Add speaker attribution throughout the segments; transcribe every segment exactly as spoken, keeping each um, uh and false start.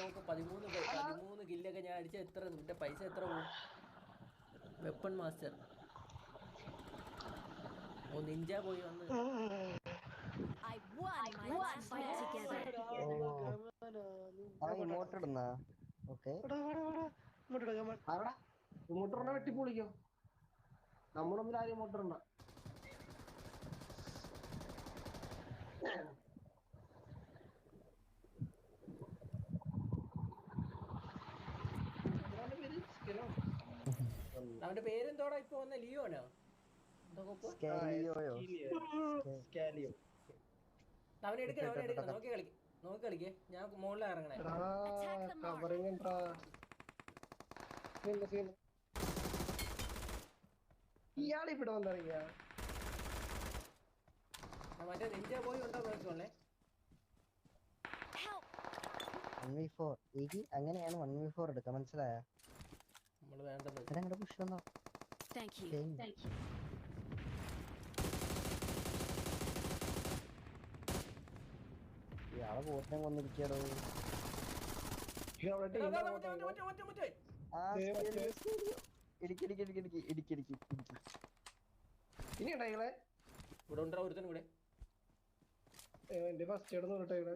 Speaker 1: നോക്ക് പതിമൂന്ന് പതിമൂന്ന് കില്ലൊക്കെ ഞാൻ അടിച്ച എത്ര നിന്റെ പൈസ എത്ര പോകും? വെപ്പൺ മാസ്റ്റർ ഓ നിഞ്ച പോയി വന്ന്
Speaker 2: I won my last match.
Speaker 3: ഇങ്ങോട്ട് ഇടുന്ന ഓക്കെ
Speaker 4: ഇങ്ങോട്ട് വെട്ടി പൊളിക്കോ നമ്മുടെ മുമ്പിൽ ആരും ഇങ്ങോട്ട് ഇടണ്ട.
Speaker 1: അവന്റെ പേരെന്തോടാ ഇപ്പൊ വന്ന ലിയോനോ അവനെ എടുക്കണം അവനെ എടുക്കണം നോക്കി കളിക്ക് നോക്കി കളിക്കേ ഞാൻ മുകളിൽ ഇറങ്ങണേ.
Speaker 4: ഇയാളിവിടെ വന്നിറങ്ങിയ
Speaker 1: മറ്റേ നിഞ്ച പോയി ഉണ്ടോ നോക്കിക്കോളേ.
Speaker 3: വൺ വി ഫോർ എനിക്ക് അങ്ങനെയാണ് വൺ വി ഫോർ എടുക്കുക മനസ്സിലായ?
Speaker 1: നമ്മള് വേണ്ടത്
Speaker 3: ഞങ്ങളുടെ പുഷ് വന്നോ ഇയാളെ പോറ്റിനെ കൊന്നിരിക്കടോ.
Speaker 4: ഇനി ഇടകളെ
Speaker 1: ഇവിടെ ഉണ്ടോ ഒരുത്തനും കൂടെ
Speaker 4: എന്റെ ഫസ്റ്റ് എയ്ഡ് നോക്കട്ടെ.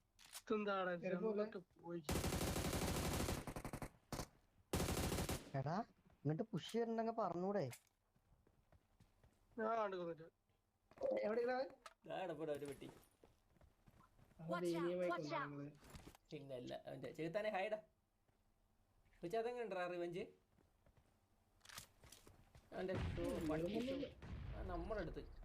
Speaker 3: എടാ ഇങ്ങോട്ട് പുഷ് ചെയ്തിട്ടുണ്ടെങ്കിൽ പറഞ്ഞൂടെ?
Speaker 4: എവിടെ
Speaker 1: ഒരു പെട്ടി പിന്നല്ല അവന്റെ ചെറുത്താനെ ഹൈഡാ പക്ഷെ അതെങ്ങനെ ഉണ്ടാ റിവഞ്ച് അവന്റെ നമ്മുടെ അടുത്ത്